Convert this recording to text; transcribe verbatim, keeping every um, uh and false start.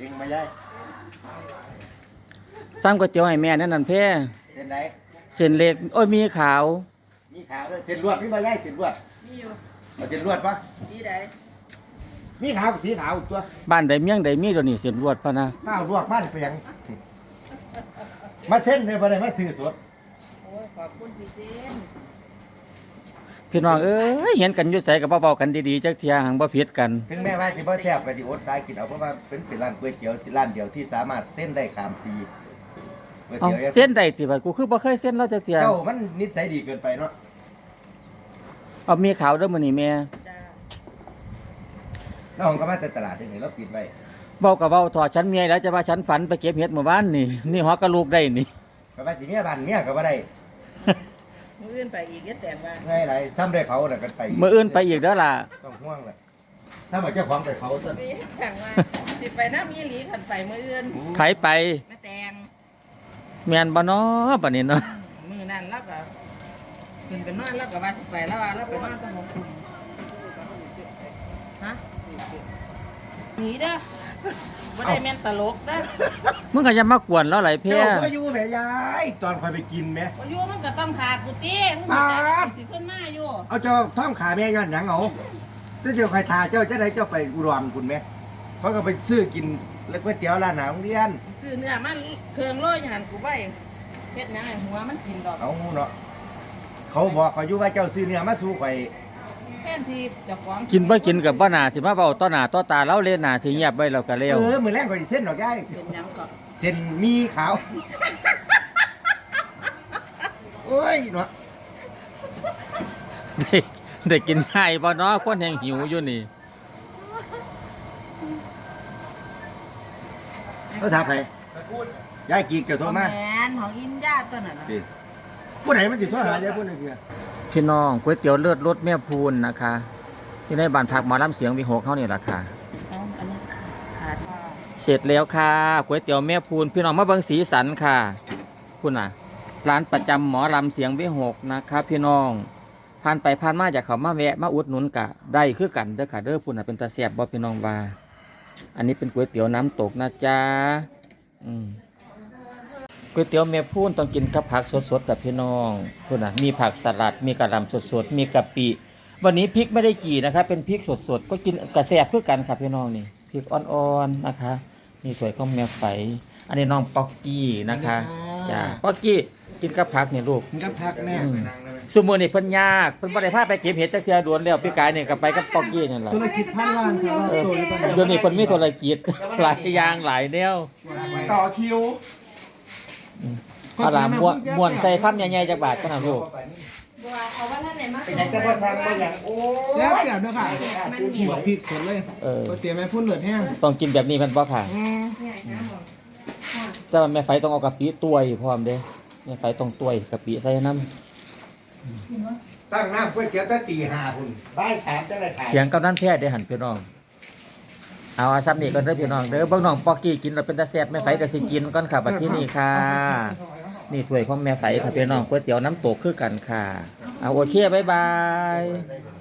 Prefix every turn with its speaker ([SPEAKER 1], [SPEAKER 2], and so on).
[SPEAKER 1] จริงมาย้าย
[SPEAKER 2] ซ้ำก๋วยเตี๋ยวให้แม่นั่นนั่นเพ่
[SPEAKER 1] เส้นไหน
[SPEAKER 2] เส้นเล็กโอ้ยมีขาว
[SPEAKER 1] มีขาวด้วยเส้นลวดพี่มาย้ายเส้นลวด
[SPEAKER 3] มีอยู่
[SPEAKER 1] เอาเส้นลวดปะ
[SPEAKER 3] สีใด
[SPEAKER 1] มีขาวกับสีขาวตัว
[SPEAKER 2] บ้านใดเมี่ยงใดมีตัวนี้เส้นลวดพะนะ
[SPEAKER 1] ข้าวลวกบ้านเปียงมาเส้นเลยบ่ได้มาซื้อสด
[SPEAKER 3] โอ้ยขอบคุณสิเส้น
[SPEAKER 2] พี่น้องเอ้ยเห็นกันอยู่ไสก็เบาๆกันดีๆจักเที่ยหังบ่ผิดกัน
[SPEAKER 1] ถึงแม้ว่าสิบ่แซ่บก็สิอดสายกินเอาเพราะว่าเป็นเป็นร้านก๋วยเตี๋ยวร้านเดียวที่สามารถเส้นได้ข้ามปีก๋วย
[SPEAKER 2] เอา
[SPEAKER 1] เตี๋ยว
[SPEAKER 2] เส้นใดติบัดกูคือบ่เคยเส้นเราจักเที่ย
[SPEAKER 1] เจ้ามันนิสัยดีเกินไปเนาะ
[SPEAKER 2] เอามีขาวเด้อมื้อนี้แม่
[SPEAKER 3] จ้า
[SPEAKER 1] น้องก็มาแต่ตลาดนี่เราปิดไว้
[SPEAKER 2] เว้าก็เว้าถอดฉันเมียแล้วจะว่าฉันฝันไปเก็บเห็ดเมื่อวานนี่นี่ฮอกกะลูกได้นี่
[SPEAKER 1] ก็ว่าสิเมียบ้านเมียก็บ่ได้
[SPEAKER 3] มื้ออื่นไปอีกเฮ็ดแต่ว่า
[SPEAKER 1] ไงหลายซ้ำได้เผาน่ะกันไป
[SPEAKER 2] มื้ออื่นไปอีกเด้อล่ะ
[SPEAKER 1] ต้องห่วงแหละถ้ามาเจ้าของไปเผาต้น
[SPEAKER 3] มีแต่งว่าสิไปน้ำอีหลีคันไปมื้ออื่น
[SPEAKER 2] ไผไป
[SPEAKER 3] แม่แตง
[SPEAKER 2] แม่นบ่น้อบัดนี้เนาะ
[SPEAKER 3] มื้อนั้นเราก็ขึ้นไปนอนแล้วก็ว่าสิไปแล้วว่าเราไปนอนตะหงคุมฮะหนีเด้อบ่ได้แม่นตลกเด้อ
[SPEAKER 2] มึงก็อย่ามากวนเราหลายเพ่
[SPEAKER 1] เจ้าก็อยู่แม่ยายตอนคอยไปกินแม่
[SPEAKER 3] บ่อยู่มันก็ต้องขาดกูติมึงสิขึ้นมาอยู่
[SPEAKER 1] เอาเจ้าท่อมขาแม่ย้อนหยังเอาถ้าเจ้าใครทาเจ้าจะได้เจ้าไปอุดรคุณแม่เขาก็ไปซื้อกินแล้วก๋วยเตี๋ยวร้านหนาโรงเรียน
[SPEAKER 3] ซื้อเนื้อมันเครื่องโรยหันกูไว้เฮ็ดหยังให้หัวมันกินดอก
[SPEAKER 1] เอาเนาะเขาบอกเขาอยู่ว่าเจ้าซื้อเนื้อมาสู่ข่อย
[SPEAKER 3] แค่ที่เจ้าของ
[SPEAKER 2] กินบ่กินกับบ่น่าสิมาเว้าต่อหน้าต่อตาเราเล่นหน้าสิเงียบไว้แล้วก็แล้ว
[SPEAKER 1] เออมื้อแรกข่อยสิเส้นดอกยาย
[SPEAKER 3] เป็นหยังก็
[SPEAKER 1] เส้นมีขาวโอ้ยเนาะ
[SPEAKER 2] ได้ได้กินง่ายบ่เนาะคนแห่งหิวอยู่นี่
[SPEAKER 1] เขาถามไปยายกีกเจ้าโทรมา
[SPEAKER 3] แม่นของอินญาตัวนั้นน่ะ
[SPEAKER 1] ผู้ใดมันสิโทรหายายผู้นึงคือ
[SPEAKER 2] พี่น้องก๋วยเตี๋ยวเลือดรสแม่พูนนะคะที่ในบ้านพักหมอลำเสียงวิหกเฮานี่ล่ะค่ะ
[SPEAKER 3] อันนี้ขาด
[SPEAKER 2] เสร็จแล้วค่ะก๋วยเตี๋ยวแม่พูนพี่น้องมาเบิ่งสีสันค่ะคุณน่ะร้านประจำหมอลำเสียงวิหกนะคะพี่น้องผ่านไปผ่านมาอยากเข้ามาแวะมาอุดหนุนกะได้คือกันเด้อค่ะเด้อพุ่นน่ะเป็นตาแซ่บบ่พี่น้องว่าอันนี้เป็นก๋วยเตี๋ยวน้ำตกนะจ๊ะอืมก๋วยเตี๋ยวแม่พูนต้องกินกับผักสดๆกับพี่น้องพุ่นน่ะมีผักสลัดมีกะหล่ำสดๆมีกะปิวันนี้พริกไม่ได้กี่นะครับเป็นพริกสดๆก็กินกระแซ่บเพื่อกันครับพี่น้องนี่พริกอ่อนๆนะคะนี่ถ้วยข้าวแม่ไฟอันนี้น้องป๊อกกี้นะคะจ้าป๊อกกี้กินกับผักนี่ลูก
[SPEAKER 1] กินกับผักแม่
[SPEAKER 2] สมมุตินี่เพิ่นยากเพิ่นบ่ได้พาไปเก็บเห็ดจักเทื่อด่วนแล้วพี่กายนี่ก็ไปกับป๊อกกี้นั่นล่ะ
[SPEAKER 1] ธุรกิจพันล้านครับ
[SPEAKER 2] เดี๋ยวนี้เพิ่นมีธุรกิจหลายอย่างหลายแนว
[SPEAKER 1] ต่อคิว
[SPEAKER 2] เอาล่ะม่วนม่วนใส่คำใหญ่ๆจักบาทกันน่ะลูก
[SPEAKER 3] บัวเอาว่าท่านไหนมา
[SPEAKER 1] เป็นจังแต่บ่สั่งบ่หยังโอ้
[SPEAKER 4] แล้วเสียบด้วยค่ะหัวพริกสดเลย
[SPEAKER 2] เออ
[SPEAKER 4] ก๋วยเตี๋ยวแม่พุ่นเลือดแห้ง
[SPEAKER 2] ต้องกินแบบนี้มันบ่ค่ะแต่แม่ไฟต้องเอากะปิต้วยพร้อมเด้แม่ไฟต้องต้วยกะปิใส่น้
[SPEAKER 1] ำตั้งน้ำก๋วยเตี๋ยวตั้งตีห้าพุ่นบ่ายสามจังได๋ขาย
[SPEAKER 2] เสียงกำนันแพทย์ได้หันพี่น้องเอาอาซับนี่ก่อนเด้อพี่น้องเด้อเบิ่งน้องป๊อกกี้กินแล้วเป็นตาแซ่บแม่ไฟก็สิกินก่อนค่ะบัดที่นี่ค่ะนี่ถ้วยของแม่ไฝค่ะพี่น้องก๋วยเตี๋ยวน้ำตกคือกันค่ะเอาโอเคบ๊ายบาย